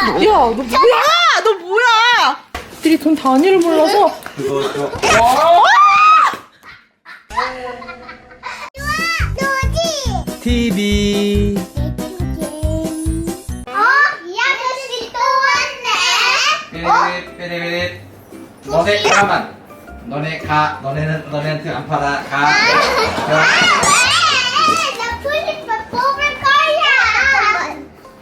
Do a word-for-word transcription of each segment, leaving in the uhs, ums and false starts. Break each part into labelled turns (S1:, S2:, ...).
S1: 야, 너 뭐야? 너 뭐야? 들이 돈 단위를 몰라서.
S2: 그거 저. 티비.
S3: 어? 이 아저씨 또 왔네. 어?
S2: 삐리삐리. 너네 가만. 너네 가. 너네는 너네한테 안 팔아. 가.
S3: 아, 왜? 나 풀리파 뽑을 거야.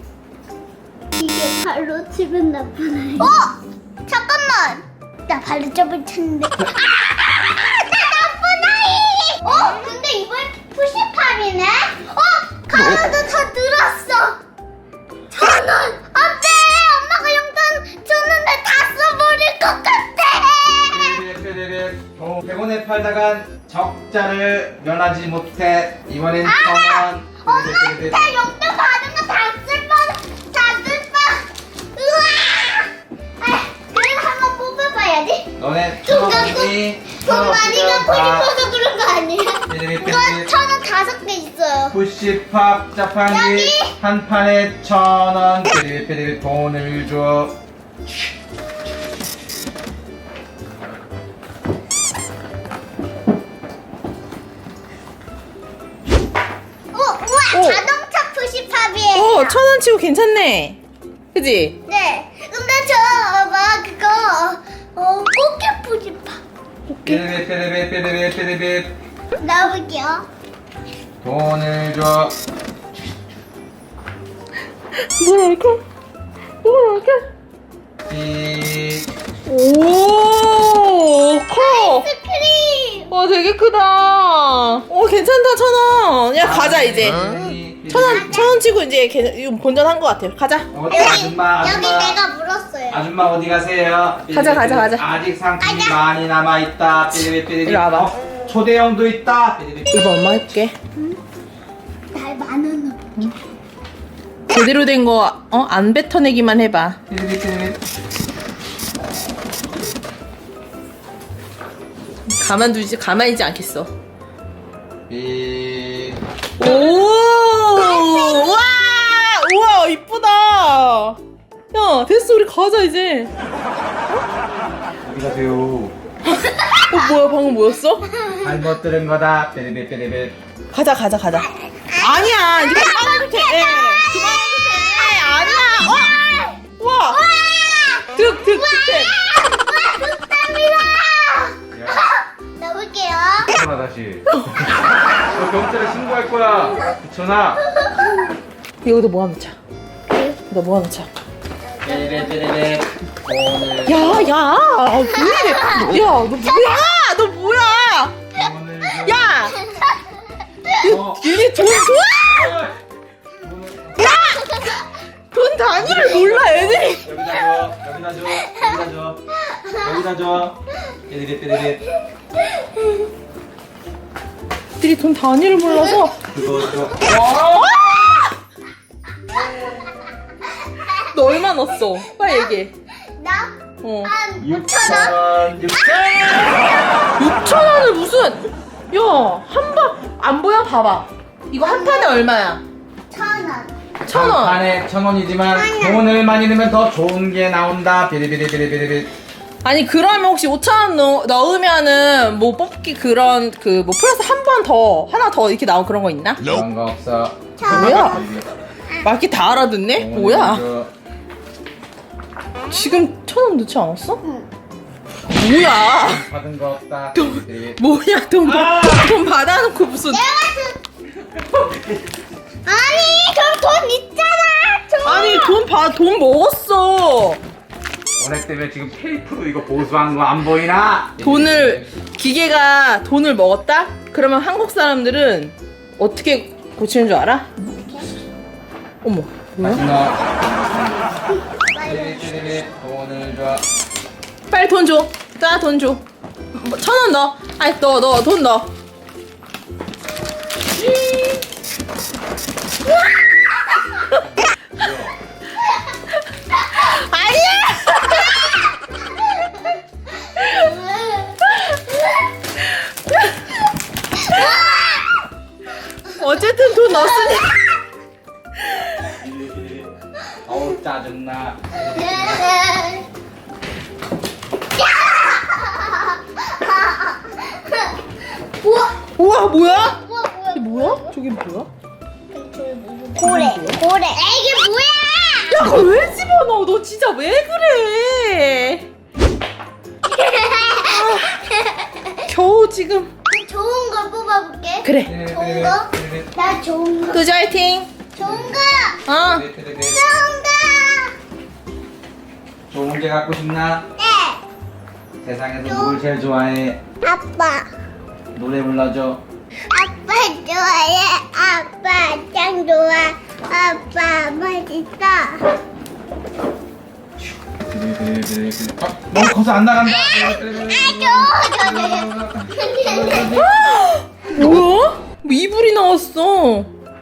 S3: 이게 발로 치면 나쁜 아이. 어? 잠깐만. 나 발로 점을 쳤는데. 아! 나 나쁜 아이. 어? 근데 이번 푸시팝이네. 어? 가로도 더 늘었어. 천 원. 안 돼. 엄마가 용돈 줬는데 다 써버릴 것 같아.
S2: 삐리삐리. 어, 백 원에 팔다간 적자를 면하지 못해. 이번엔 천 원. 삐리삐리.
S3: 엄마한테 용돈 받은 거 다 쓸 뻔, 다 쓸 뻔. 우와! 아, 그래도 한번 뽑아봐야지.
S2: 너네 천 원이니?
S3: 돈 많이 갖고 싶어서 그런 거 아니야?
S2: 삐리삐리.
S3: 이거 천 원 다섯 개 있어요.
S2: 푸시팝 자판기
S3: 여기.
S2: 한 판에 천 원. 삐리삐리 돈을 줘.
S3: 오, 우와!
S1: 오.
S3: 자동차 푸시팝이에요.
S1: 어, 천 원 치고 괜찮네. 그지?
S3: 네. 근데 저, 막, 그거, 어, 꽃게 푸시팝.
S2: 삐리삐리 삐리삐리 삐리삐리
S3: 넣어볼게요.
S2: 돈을 줘.
S1: 뭐야, 이렇게? 뭐야, 이렇게?
S2: 삐.
S1: 오, 커.
S3: 아이스크림!
S1: 와, 되게 크다. 오, 괜찮다, 천 원. 야, 가자, 이제. 천 원, 천 원 치고 이제 괜- 이거 본전한 것 같아. 가자.
S2: 어디 아줌마
S3: 여기
S2: 아줌마
S3: 내가 물었어요.
S2: 아줌마 어디 가세요?
S1: 가자, 가자, 가자.
S2: 아직 상품이
S3: 가자.
S2: 많이 남아 있다. 삐리삐리.
S1: 이리 와봐.
S2: 어, 초대형도 있다. 삐리삐리.
S1: 이거 엄마 해볼게.
S3: 날 만 원.
S1: 제대로 된 거, 어? 안 뱉어내기만 해봐.
S2: 삐리삐리.
S1: 가만두지, 가만히지 않겠어.
S2: 삐.
S1: 오! 와! 우와, 이쁘다. 야, 됐어, 우리 가자, 이제.
S2: 어디 가세요?
S1: 어, 뭐야, 방금 뭐였어?
S2: 잘못 들은 거다. 삐리삐리 삐리삐리.
S1: 가자, 가자, 가자. 아니야, 이거 그만해도 돼. 그만해도 돼. 아니야. 어? 와! 득, 득, 득, 득.
S3: 넣어볼게요.
S2: 전화 다시. 너 경찰에 신고할 거야. 전화.
S1: 이거도 모아놓자. 이거 모아놓자.
S2: 삐리삐리삐리. 돈을
S1: 야, 야. 아, 왜 이래. 야, 너 뭐야? 너 뭐야?
S2: 돈을 줘.
S1: 야!
S2: 어.
S1: 얘네 돈 좋아? 돈 단위를 몰라, 애들이.
S2: 여기다 줘. 여기다 줘. 여기다 줘. 여기다 줘. 삐리삐리 삐리삐리.
S1: 애들이 돈 단위를 몰라서.
S2: 그거 줘.
S1: 너 얼마 넣었어? 빨리 얘기해.
S3: 나?
S1: 어.
S3: 한 오천
S2: 육천
S3: 원?
S2: 원. 육천
S1: 육천 원을 무슨? 야, 한 번, 안 보여? 봐봐. 이거 한 판에 얼마야?
S3: 천 원.
S1: 천 원.
S2: 판에 천 원이지만 돈을 많이 넣으면 더 좋은 게 나온다. 비리비리비리비리.
S1: 아니, 그러면 혹시 오천 원 넣, 넣으면은 뭐 뽑기 그런 그 뭐 플러스 한 번 더, 하나 더 이렇게 나온 그런 거 있나?
S2: 그런 거 없어.
S1: 뭐야? 말기 다 알아듣네? 뭐야? 지금 천 원 넣지 않았어? 뭐야?
S2: 받은 거 없다. 비리비리.
S1: 뭐야, 돈, 받- 돈 받아놓고 무슨.
S3: 아니, 그럼 돈 있잖아. 저.
S1: 아니, 돈 봐, 돈 먹었어.
S2: 너네 때문에 지금 테이프로 이거 보수한 거 안 보이나?
S1: 돈을, 기계가 돈을 먹었다? 그러면 한국 사람들은 어떻게 고치는 줄 알아? 어머, 뭐야?
S2: 마지막. 비리비리비리. 돈을 줘.
S1: 빨리 돈 줘. 자, 돈 줘. 천 원 넣어. 아이, 넣어, 넣어, 돈 넣어. 어쨌든 돈 넣었으니.
S2: 어우 짜증나. 좋나?
S3: 우와,
S1: 우와 뭐야?
S3: 우와, 뭐야?
S1: 이게 뭐야? 저게 뭐야?
S3: 고래, 고래. 이게 뭐야?
S1: 야 그걸 왜 집어넣어? 너 진짜 왜 그래? 겨우 지금.
S3: 좋은 걸 뽑아볼게.
S1: 그래.
S3: 좋은 거? 나 좋은 거.
S1: 도저 화이팅.
S3: 좋은 거.
S1: 어.
S3: 좋은 거.
S2: 좋은 게 갖고 싶나?
S3: 네.
S2: 세상에서 누굴 제일 좋아해?
S3: 아빠.
S2: 노래 불러줘.
S3: 아빠 좋아해. 아빠 짱 좋아. 아빠 맛있어.
S2: 어, 너무 커서 안 나간다.
S1: 뭐야? 뭐 이불이 나왔어.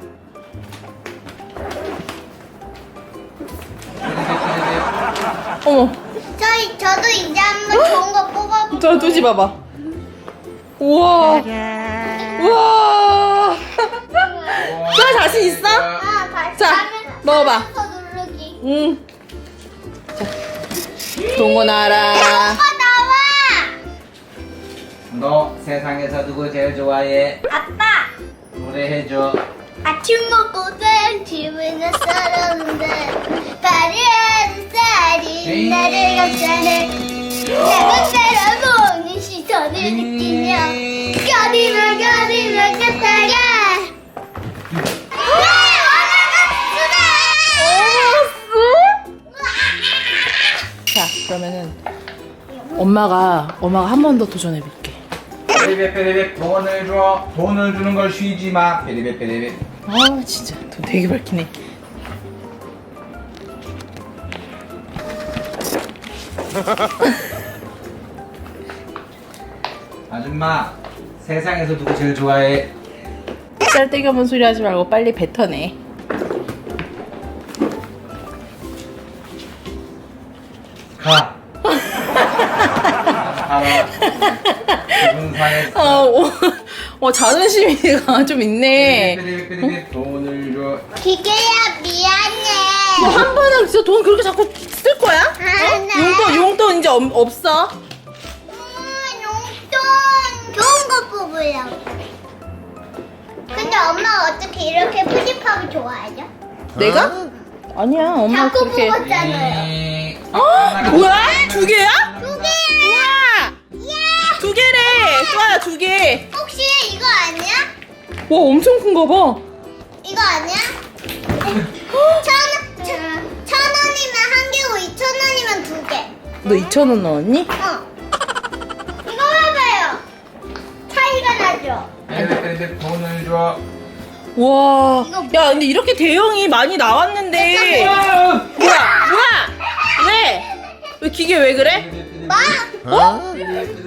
S1: 어머.
S3: 저희 저도 이제 한번 좋은 거 뽑아볼게요.
S1: 저 두지 봐봐. 우와. 우와. 자 자신 있어?
S3: 아, 다시
S1: 자,
S3: 하면-
S1: 먹어봐.
S3: 하면서 누르기.
S1: 응. 자. 좋은 거 나와라.
S3: 오빠 나와.
S2: 너 세상에서 누구 제일 좋아해?
S3: 아빠.
S2: 노래해줘.
S3: 아침 먹고 된 집에는 살았는데 파리하는 쌀이 나를 감싸네. 내가 살아보는 시선을 느끼며 거리면 거리면 같아가.
S1: 자 그러면은 엄마가 엄마가 한 번 더 도전해 볼게.
S2: 베리베 베리베 돈을 줘. 돈을 주는 걸 쉬지 마. 베리베 베리베.
S1: 아 진짜 돈 되게 밝히네.
S2: 아줌마 세상에서 누구 제일 좋아해?
S1: 쌀데기 없는 소리 하지 말고 빨리 뱉어내.
S2: 가. 가라. 기분 상했어.
S1: 어, 어, 어 자존심이가 좀 있네.
S2: 베리베 베리베 돈을 줘.
S3: 기계야 미안해.
S1: 뭐 한 번은 진짜 돈 그렇게 자꾸 쓸 거야?
S3: 아, 네.
S1: 용돈 용돈 이제 없, 없어.
S3: 음, 용돈 좋은 거 뽑으려고. 근데 엄마 어떻게 이렇게 푸짐하게 좋아하죠?
S1: 내가? 아니야 엄마
S3: 자꾸
S1: 그렇게.
S3: 뽑았잖아요.
S1: 어? 뭐야? 두 개야?
S3: 두 개야.
S1: 우와!
S3: 예.
S1: 두 개래. 좋아요 두 개.
S3: 혹시 이거 아니야?
S1: 와 엄청 큰가 봐.
S3: 이거 아니야? 천, 천, 천 원이면 한 개고 이천 원이면 두 개.
S1: 너 이천 원 넣었니?
S3: 어. 이거 봐봐요. 차이가 나죠?
S2: 베리베 베리베 돈을 줘.
S1: 와.
S3: 이거
S1: 야 근데 이렇게 대형이 많이 나왔는데. 뭐야? 뭐야? 왜? 왜 기계 왜 그래?
S3: 마.
S1: 어?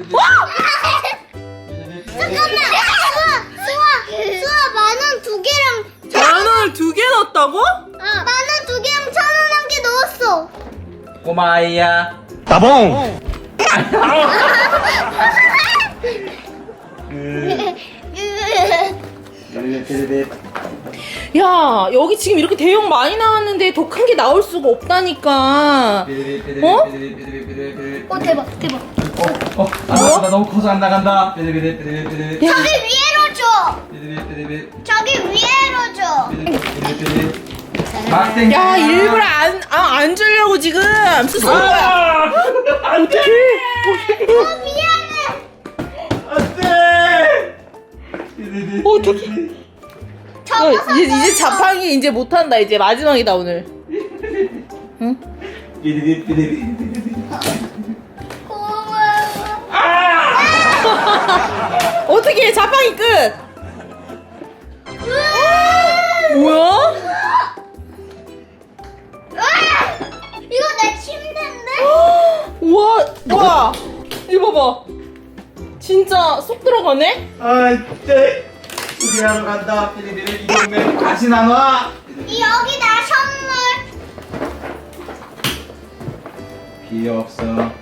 S3: 잠깐만. 수아, 수아, 수아 만원 두 개랑
S1: 만 원을 두 개 넣었다고?
S3: 만 원 두 개랑 천 원 한 개 넣었어.
S2: 꼬마 아이야.
S4: 따봉!
S2: 베리베 베리베.
S1: 야 여기 지금 이렇게 대형 많이 나왔는데 더 큰 게 나올 수가 없다니까.
S2: 베리베 베리베
S1: 어?
S2: 베리베 베리베 베리베.
S3: 어 대박 대박.
S2: 어, 어, 안 나간다. 너무 커서 안 나간다. 베리베리 베리베리 베리베리
S1: 야.
S3: 저기 위에로 줘.
S2: 베리베리 베리베리
S3: 저기 위에로 줘.
S2: 베리베리. 막생.
S1: 야 일부러 안, 아, 안 주려고 지금 쓰는 거야. 어떡해.
S3: 어 미안해.
S2: 안돼. 베리베리.
S1: 어떡해. 야, 이제, 이제 자판기 이제 못한다. 이제 마지막이다 오늘. 응?
S2: 베리베리 베리베리.
S3: 고마워.
S1: 어떻게 자판기 끝. 뭐야?
S3: 이거 내 침대인데?
S1: 우와, 와, 이거 봐봐. 진짜 쏙 들어가네?
S2: 아, 네. 수리하러 간다. 베리베리 이 동네 다시 나와.
S3: 이 여기다 선물.
S2: 필요 없어.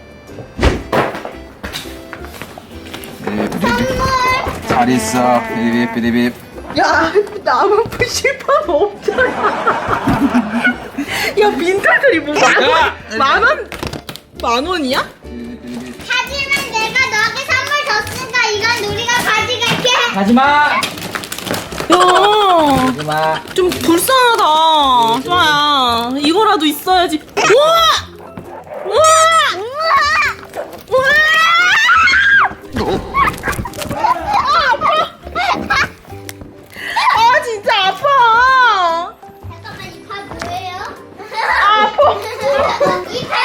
S3: 선물.
S2: 잘 있어. 베리베리 베리베리.
S1: 야, 남은 푸시판 없잖아. 야 빈털털이 뭐 만 원?
S2: 야!
S1: 만 원? 만 원이야?
S3: 하지만 내가 너에게 선물 줬으니까 이건 우리가 가져갈게.
S2: 가지마!
S1: 야,
S2: 가지마.
S1: 좀 불쌍하다. 좋아야. 이거라도 있어야지. 우와! 우와! 우와! 아 진짜 아파.
S3: 잠깐만 이 팔 뭐예요?
S1: 아파.
S3: 이 팔